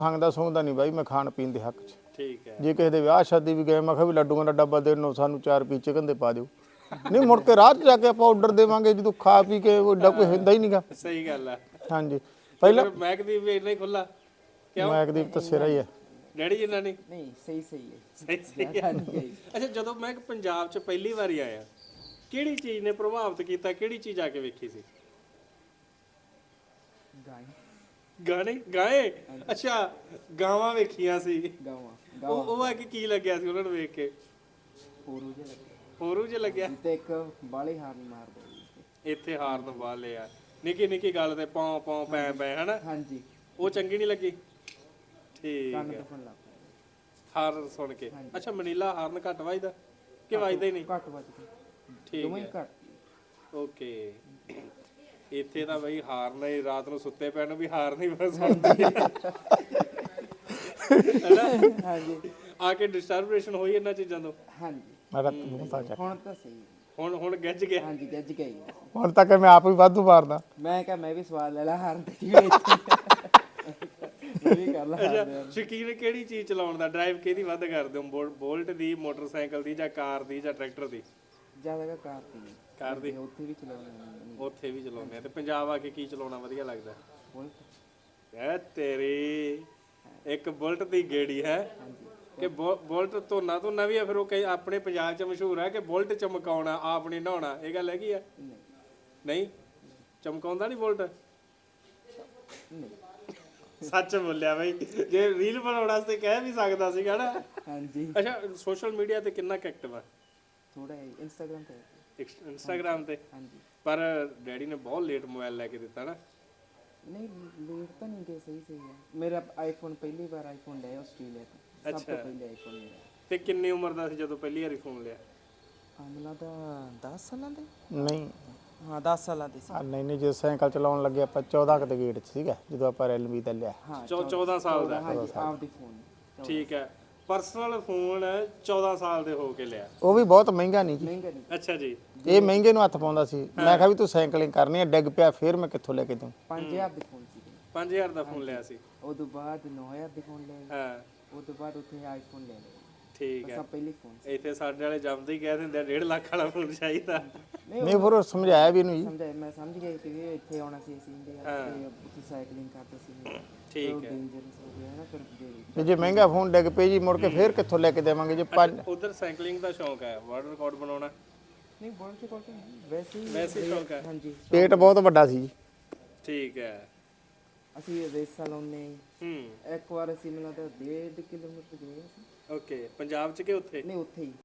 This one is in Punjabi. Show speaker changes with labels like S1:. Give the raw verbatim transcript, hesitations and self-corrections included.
S1: ਖਾਂਦਾ ਸੌਂਦਾ ਨਹੀਂ ਬਾਈ, ਮੈਂ ਖਾਣ ਪੀਣ ਦੇ ਹੱਕ 'ਚ।
S2: ਠੀਕ ਹੈ।
S1: ਜੇ ਕਿਸੇ ਦੇ ਵਿਆਹ ਸ਼ਾਦੀ ਵੀ ਗਏ, ਮੈਂ ਕਿਹਾ ਵੀ ਲੱਡੂਆਂ ਦਾ ਡੱਬਾ ਦੇ ਦਿਓ ਸਾਨੂੰ, ਚਾਰ ਪੀਸ ਚਿਕਨ ਦੇ ਪਾ ਦਿਓ। ਨਹੀਂ ਮੁੜ ਕੇ ਰਾਹ 'ਚ ਜਾ ਕੇ ਆਪਾਂ ਆਰਡਰ ਦੇਵਾਂਗੇ ਜਦੋਂ ਖਾ ਪੀ ਕੇ ਏਡਾ ਕੋਈ ਹੁੰਦਾ ਹੀ ਨਹੀਂਗਾ।
S2: ਸਹੀ ਗੱਲ ਆ।
S1: ਹਾਂਜੀ ਪਹਿਲਾਂ
S2: ਮਹਿਕਦੀਪ ਵੀ ਇੰਨਾ ਹੀ ਖੁੱਲਾ ਕਿਉਂ?
S1: ਮਹਿਕਦੀਪ ਤਾਂ ਸਿਰਾ ਹੀ ਹੈ
S2: ਡੈਡੀ ਜਿੰਨਾ ਨਹੀਂ?
S3: ਨਹੀਂ ਸਹੀ ਸਹੀ ਹੈ।
S2: ਸਹੀ ਸਹੀ ਹੈ। ਅੱਛਾ ਜਦੋਂ ਮੈਂ ਪੰਜਾਬ 'ਚ ਪਹਿਲੀ ਵਾਰੀ ਆਇਆ, ਕਿਹੜੀ ਚੀਜ਼ ਨੇ ਪ੍ਰਭਾਵਿਤ ਕੀਤਾ, ਕਿਹੜੀ ਚੀਜ਼ ਆ ਕੇ ਵੇਖੀ ਸੀ?
S3: ਗਾਏ
S2: ਗਾਣੇ ਗਾਏ? ਅੱਛਾ ਗਾਵਾਂ ਵੇਖੀਆਂ ਸੀ।
S3: ਗਾਵਾਂ
S2: ਉਹ ਉਹ ਆ ਕੇ ਕੀ ਲੱਗਿਆ ਸੀ ਉਹਨਾਂ ਨੂੰ ਵੇਖ ਕੇ?
S3: ਹੋਰੂ ਜਿਹਾ ਲੱਗਿਆ
S2: ਹੋਰੂ ਜਿਹਾ ਲੱਗਿਆ।
S3: ਤੇ ਇੱਕ ਬਾਲੇ ਹਾਰਨ ਮਾਰਦਾ ਜੀ।
S2: ਇੱਥੇ ਹਾਰਨ ਵਾਲੇ ਆ ਨਿੱਕੀ ਨਿੱਕੀ ਗੱਲ ਤੇ ਪੌਂ ਪੌਂ ਪੈ ਪੈ ਹਨਾ,
S3: ਹਾਂਜੀ
S2: ਉਹ ਚੰਗੀ ਨਹੀਂ ਲੱਗੀ? ਠੀਕ
S3: ਕੰਨ
S2: ਹੈ।
S3: ਦੁਖਣ ਲੱਗ ਪਿਆ।
S2: ਹਾਰਨ ਸੁਣ ਕੇ। ਅੱਛਾ ਮਨੀਲਾ ਹਾਰਨ ਘੱਟ ਵੱਜਦਾ ਕਿ ਵੱਜਦਾ ਹੀ ਨਹੀਂ?
S3: ਘੱਟ ਵੱਜਦਾ।
S2: ਠੀਕ
S3: ਦੋਵੇਂ ਹੀ
S2: ਹੈ।
S3: ਘੱਟ।
S2: ਓਕੇ। ਇੱਥੇ ਤਾਂ ਬਈ ਹਾਰਨ ਹੀ ਰਾਤ ਨੂੰ ਸੁੱਤੇ ਪੈਣ ਨੂੰ ਵੀ ਹਾਰਨ ਹੀ ਬਸ ਹੁੰਦੀ ਹੈ
S3: ਹਾਂਜੀ
S2: ਆ ਕੇ ਡਿਸਟਰਬੇਸ਼ਨ ਹੋਈ ਇਹਨਾਂ ਚੀਜ਼ਾਂ ਤੋਂ।
S3: ਹਾਂਜੀ
S1: ਮੇਰਾ ਮੂੰਹ ਤਾਂ ਚੱਕ।
S3: ਹੁਣ ਤਾਂ ਸਹੀ ਹੈ।
S2: ਹੁਣ ਹੁਣ ਗੱਜ ਗਿਆ।
S3: ਹਾਂਜੀ ਗੱਜ ਗਈ।
S1: ਹੁਣ ਤੱਕ ਮੈਂ ਆਪ ਹੀ ਵਾਧੂ ਮਾਰਦਾ।
S3: ਮੈਂ ਕਿਹਾ ਮੈਂ ਵੀ ਸਵਾਲ ਲੈ ਲਾ ਹਾਰਨ ਤੇ ਕੀ ਇੱਥੇ ਮੈਂ ਵੀ ਕਰ ਲਾ
S2: ਅੱਛਾ ਸ਼ੌਕੀਨ ਕਿਹੜੀ ਚੀਜ਼ ਚਲਾਉਣ ਦਾ, ਡਰਾਈਵ ਕਿਹਦੀ ਵੱਧ ਕਰਦੇ ਹੋ? ਬੋਲ- ਬੋਲਟ ਦੀ, ਮੋਟਰਸਾਈਕਲ ਦੀ, ਜਾਂ ਕਾਰ ਦੀ, ਜਾਂ ਟਰੈਕਟਰ ਦੀ?
S3: ਜ਼ਿਆਦਾ ਕਾਰ ਦੀ।
S2: ਕਾਰ ਦੀ
S3: ਉੱਥੇ ਵੀ ਚਲਾਉਣੀ
S2: ਉੱਥੇ ਵੀ ਚਲਾਉਂਦੇ ਆ। ਤੇ ਪੰਜਾਬ ਆ ਕੇ ਕੀ ਚਲਾਉਣਾ ਵਧੀਆ ਲੱਗਦਾ?
S3: ਬੁਲਟ।
S2: ਐ ਤੇਰੀ ਇੱਕ ਬੁਲਟ ਦੀ ਗੇੜੀ ਹੈ ਕਿ ਬੁ- ਬੁਲਟ ਧੋਨਾ ਧੋਨਾ ਵੀ ਆ। ਫਿਰ ਉਹ ਕਈ ਆਪਣੇ ਪੰਜਾਬ 'ਚ ਮਸ਼ਹੂਰ ਹੈ ਕਿ ਬੁਲਟ ਚਮਕਾਉਣਾ, ਆਪ ਨਹੀਂ ਨਹਾਉਣਾ। ਇਹ ਗੱਲ ਹੈਗੀ ਆ?
S3: ਨਹੀਂ
S2: ਨਹੀਂ ਚਮਕਾਉਂਦਾ ਨਹੀਂ ਬੁਲਟ?
S3: ਨਹੀਂ
S2: ਸੱਚ ਬੋਲਿਆ ਬਈ, ਜੇ ਰੀਲ ਬਣਾਉਣ ਵਾਸਤੇ ਕਹਿ ਵੀ ਸਕਦਾ ਸੀਗਾ ਨਾ।
S3: ਹਾਂਜੀ
S2: ਅੱਛਾ ਸੋਸ਼ਲ ਮੀਡੀਆ ਤੇ ਕਿੰਨਾ ਐਕਟਿਵ ਆ?
S3: ਥੋੜਾ ਇੰਸਟਾਗ੍ਰਾਮ ਤੇ।
S2: ਇੰਸਟਾਗ੍ਰਾਮ ਤੇ?
S3: ਹਾਂਜੀ
S2: ਪਰ ਡੈਡੀ ਨੇ ਬਹੁਤ ਲੇਟ ਮੋਬਾਈਲ ਲੈ ਕੇ ਦਿੱਤਾ ਨਾ।
S3: ਨਹੀਂ ਲੇਟ ਤਾਂ ਨਹੀਂ ਗਏ, ਸਹੀ ਸਹੀ ਹੈ। ਮੇਰਾ ਆਈਫੋਨ ਪਹਿਲੀ ਵਾਰ ਆਈਫੋਨ ਲਿਆ ਆਸਟ੍ਰੇਲੀਆ ਤੋਂ। ਸਭ ਤੋਂ ਪਹਿਲੇ ਆਈਫੋਨ ਲਿਆ।
S2: ਤੇ ਕਿੰਨੀ ਉਮਰ ਦਾ ਸੀ ਜਦੋਂ ਪਹਿਲੀ ਵਾਰੀ ਫੋਨ ਲਿਆ?
S3: ਆਮਲਾ ਦਾ ਦਸ ਸਾਲਾਂ ਦੇ।
S1: ਨਹੀਂ
S3: ਹਾਂ ਦਸ ਸਾਲਾਂ ਦੇ ਸੀ।
S1: ਆ ਨਹੀਂ ਨਹੀਂ ਜਦੋਂ ਸਾਈਕਲ ਚਲਾਉਣ ਲੱਗੇ ਆਪਾਂ ਚੌਦਾਂ ਕੁ ਦੇ ਗੇਟ 'ਚ ਸੀਗਾ ਜਦੋਂ ਆਪਾਂ ਰੈਲਮੀ ਦਾ ਲਿਆ।
S3: ਹਾਂ
S2: ਚੌ- ਚੌਦਾਂ ਸਾਲ ਦਾ?
S3: ਹਾਂਜੀ ਆਪਦੀ ਫੋਨ।
S2: ਠੀਕ ਹੈ। ਪਰਸਨਲ ਫੋਨ ਚੌਦਾਂ ਸਾਲ ਦੇ ਹੋ ਕੇ ਲਿਆ?
S1: ਉਹ ਵੀ ਬਹੁਤ ਮਹਿੰਗਾ ਨਹੀਂ ਜੀ।
S3: ਮਹਿੰਗਾ ਨਹੀਂ।
S2: ਅੱਛਾ ਜੀ।
S1: ਇਹ ਮਹਿੰਗੇ ਨੂੰ ਹੱਥ ਪਾਉਂਦਾ ਸੀ। ਮੈਂ ਕਿਹਾ ਵੀ ਤੂੰ ਸਾਈਕਲਿੰਗ ਕਰਨੀ ਹੈ, ਡਿੱਗ ਪਿਆ ਫਿਰ ਮੈਂ ਕਿੱਥੋਂ ਲੈ ਕੇ ਦੂੰ।
S3: ਪੰਜ ਹਜ਼ਾਰ ਦੇ ਫੋਨ ਸੀ।
S2: ਪੰਜ ਹਜ਼ਾਰ ਦਾ ਫੋਨ ਲਿਆ ਸੀ?
S3: ਉਹ ਤੋਂ ਬਾਅਦ ਨੌ ਹਜ਼ਾਰ ਦੇ ਫੋਨ ਲਿਆ।
S2: ਹਾਂ
S3: ਉਹ ਤੋਂ ਬਾਅਦ ਉੱਥੇ ਆਈਫੋਨ ਲੈ ਲਿਆ।
S2: ਠੀਕ ਹੈ।
S3: ਸਭ ਪਹਿਲੀ ਫੋਨ ਸੀ।
S2: ਇੱਥੇ ਸਾਡੇ ਵਾਲੇ ਜੰਮਦੇ ਹੀ ਕਹਿ ਦਿੰਦੇ ਆ ਡੇਢ ਲੱਖ ਵਾਲਾ ਫੋਨ ਚਾਹੀਦਾ।
S3: ਨਹੀਂ
S1: ਨਹੀਂ ਫਿਰ ਉਹ ਸਮਝਾਇਆ ਵੀ ਇਹਨੂੰ ਜੀ।
S3: ਸਮਝਾਇਆ, ਮੈਂ ਸਮਝ ਗਿਆ ਕਿ ਵੀ ਇੱਥੇ ਆਉਣਾ ਸੀ ਅਸੀਂ ਇੰਡੀਆ ਤੇ ਉੱਥੇ ਸਾਈਕਲਿੰਗ ਕਰਦੇ ਸੀ।
S2: ਠੀਕ ਹੈ।
S3: ਡੇਂਜਰਸ ਹੋ ਗਿਆ ਨਾ ਫਿਰ ਦੇ
S1: ਤੇ ਜੇ ਮਹਿੰਗਾ ਫੋਨ ਡਿੱਗ ਪਏ ਜੀ ਮੁੜ ਕੇ ਫਿਰ ਕਿੱਥੋਂ ਲੈ ਕੇ ਦੇਵਾਂਗੇ ਜੇ ਪੰਜ।
S2: ਉਧਰ ਸਾਈਕਲਿੰਗ ਦਾ ਸ਼ੌਂਕ ਹੈ, ਵਰਲਡ ਰਿਕਾਰਡ ਬਣਾਉਣਾ?
S3: ਨਹੀਂ ਬੋਲ ਕੇ ਕੋਲ ਵੈਸੇ ਹੀ
S2: ਵੈਸੇ ਹੀ ਸ਼ੌਂਕ ਹੈ?
S3: ਹਾਂਜੀ
S1: ਪੇਟ ਬਹੁਤ ਵੱਡਾ ਸੀ ਜੀ।
S2: ਠੀਕ ਹੈ।
S3: ਅਸੀਂ ਰੇਸਾਂ ਲਾਉਂਦੇ।
S2: ਹੂੰ
S3: ਇੱਕ ਵਾਰ ਅਸੀਂ ਮੈਨੂੰ ਤਾਂ ਡੇਢ ਕਿਲੋਮੀਟਰ ਗਏ ਸੀ।
S2: ਓਕੇ। ਪੰਜਾਬ 'ਚ ਕਿ ਉੱਥੇ?
S3: ਨਹੀਂ ਉੱਥੇ ਹੀ